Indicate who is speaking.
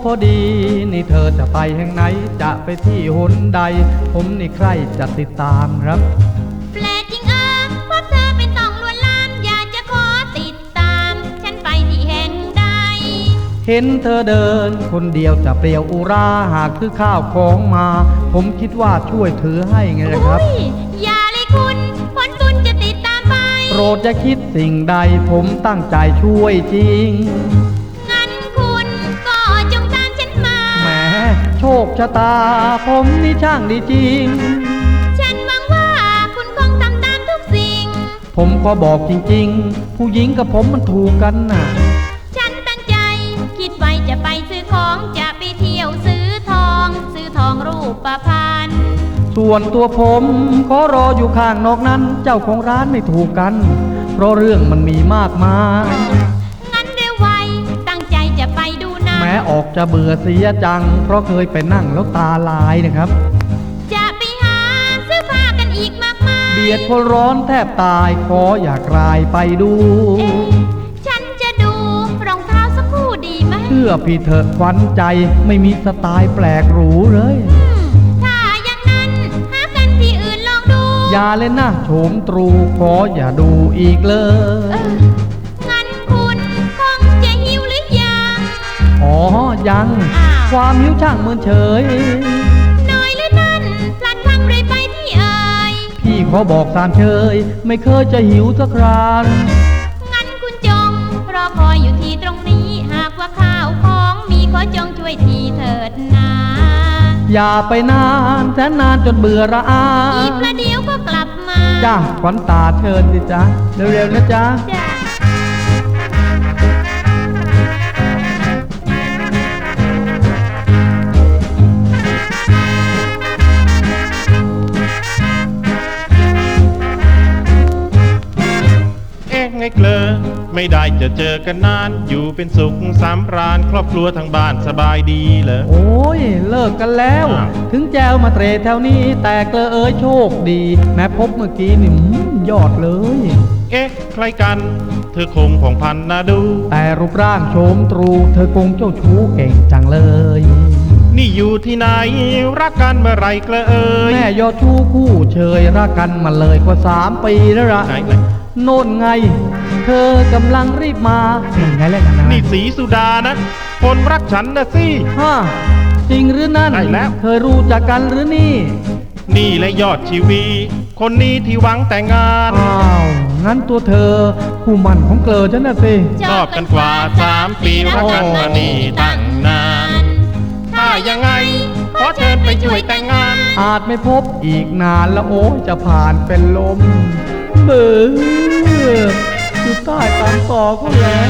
Speaker 1: พอดีนี่เธอจะไปแห่งไหนจะไปที่หนใดผมนี่ใครจะติดตามครับ
Speaker 2: แปลกจริงพบเธอเป็นต้องลวนลามอยากจะขอติดตามฉันไปที่แห่งใด
Speaker 1: เห็นเธอเดินคนเดียวจะเปลี่ยวอุราหากคือข้าวของมาผมคิดว่าช่วยถือให้ไงนะครับ
Speaker 2: อย่าเลยคุณผลบุญจะติดตามไป
Speaker 1: โปรดอย่าคิดสิ่งใดผมตั้งใจช่วยจริง
Speaker 2: งั้นคุณก็จงตามฉันมา
Speaker 1: แหมโชคชะตาผมนี่ช่างดีจริง
Speaker 2: ฉันหวังว่าคุณคงทำตามทุกสิ่ง
Speaker 1: ผมก็บอกจริงๆผู้หญิงกับผมมันถูกกันน่ะ
Speaker 2: ฉันตั้งใจคิดไว้จะไปซื้อของจะไปเที่ยวซื้อทองรูปพรรณ
Speaker 1: ส่วนตัวผมขอรออยู่ข้างนอกนั้นเจ้าของร้านไม่ถูกกันเพราะเรื่องมันมีมากมาย
Speaker 2: งั้นเร็วไวตั้งใจจะไปดูนะ
Speaker 1: แม้ออกจะเบื่อเสียจังเพราะเคยไปนั่งแล้วตาลายนะครับ
Speaker 2: จะไปหาซื้อผ้ากันอีกมากมาย
Speaker 1: เบียดคนร้อนแทบตายขออยากรายไปดู
Speaker 2: ฉันจะดูรองเท้าสักคู่ดีไหม
Speaker 1: เชื่อพี่เถอะขวัญใจไม่มีสไตล์แปลกหรูเลย
Speaker 2: ถ้าอย่างนั้นหากันที่อื่นลองดู
Speaker 1: อย่าเล่นนะโฉมตรูขออย่าดูอีกเลย
Speaker 2: งั้นคุณคงจะหิวหรือยัง
Speaker 1: อ๋อยังความหิวช่างเมินเฉย
Speaker 2: น้อยหรือนั่นพลัดพลั้งเลยไปที่เอ่ย
Speaker 1: พี่ขอบอกตามเชยไม่เคยจะหิวสักครา
Speaker 2: งั้นคุณจงรอคอยอยู่ที่ตรงนี้หากว่าข้าวของมีขอจงช่วยทีเถิดนา
Speaker 1: อย่าไปนานแสนนานจนเบื่อระอา
Speaker 2: อีกประเดี๋ยวก็กลับมา
Speaker 1: จ้าขวัญตาเชิญสิจ๊ะเร็วๆนะจ๊ะ
Speaker 3: ไงเกลอไม่ได้จะเจอกันนานอยู่เป็นสุขสำราญครอบครัวทางบ้านสบายดีเลย
Speaker 1: โอ้ยเลิกกันแล้วถึงแจวมาเตรแถวนี้แต่เกลอเอ้ยโชคดีแม้พบเมื่อกี้นี่ยอดเลย
Speaker 3: ใครกันเธอคงผ่องพันน่าดู
Speaker 1: แต่รูปร่างโฉมตรูเธอคงเจ้าชู้เก่งจังเลย
Speaker 3: นี่อยู่ที่ไหนรักกันเมื่อไรเกลอเอ้ย
Speaker 1: แม่ยอดชู้คู่เชยรักกันมาเลยกว่า3 ปีแล้วละโน่นไงเธอกำลังรีบมาไงเลยนะ
Speaker 3: นี่สีสุดานะคนรักฉันนะสิ
Speaker 1: จริงหรือนั่นเคยรู้จักกันหรือนี่
Speaker 3: และยอดชีวีคนนี้ที่หวังแต่งงาน
Speaker 1: งั้นตัวเธอผู้มั่นของเกลอฉันน่ะสิ
Speaker 3: ชอบกันกว่า3 ปีรักกันมานี่ตั้งนานถ้ายังไงขอเชิญไปช่วยแต่งงาน
Speaker 1: อาจไม่พบอีกนานแล้วโอ้จะผ่านเป็นลมเบื่ออยู่ใต้ตามต่อก็แล้ว